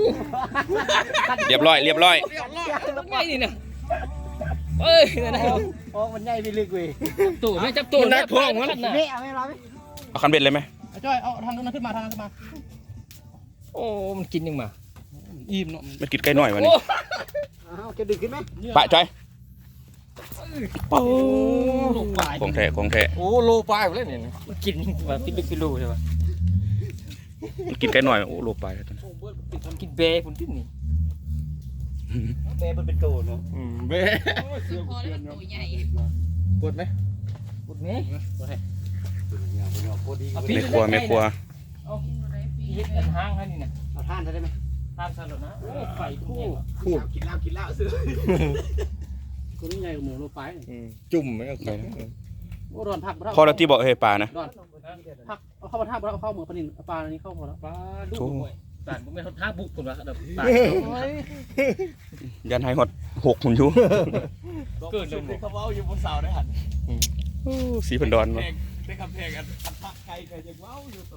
เรียบร้อยไงนี่นะเอ้ยนั่นนะโอ้มันใหญ่ไปลึกเว้ยตู่ไม่จับตู่นะท้องมันนี่เอาไม่ร้อยไหมเอาคันเบ็ดเลยไหมจ้อยเอาทางนั้นขึ้นมาโอ้มันกินยังมาอิ่มเนาะมันกินไก่หน่อยวันนี้เอาจะดึกขึ้นไหมปะจอยโอ้โลปลายของแท้โอ้โลปลายไปเลยเนี่ยมันกินแบบพิลึกพิลูใช่ปะมันกินไก่หน่อยโอ้โลไปกินเบย์ผมที่นี่เบย์มันเป็นโตเนาะเบย์พอแล้วมันตัวใหญ่ปวดไหมปุดไหมไม่ครัวเอาเย็ดอันห้างให้นี่นะเอาท่านได้ไหมห้างสลัดนะโอ้ไข่คู่กินเหล้าซื้อคนนี้ใหญ่กว่าหมูโลไปจุ่มไหมเอาไข่โอ้ดอนผักพอเราที่บอกเฮ้ยปลานะดอนผักเอาเข้ามาท่าเอาเข้าเหมือนปลานินปลาอันนี้เข้าพอแล้วปลาดุกต่างผมไม่เขาท้าบุกคนละต่างยันให้หด6หุ่นอยู่เกิดเลยเขาเอาอยู่บนเสาได้หันสีพันดอนได้คำเพลงอันพักไกลกันยังว้าวอยู่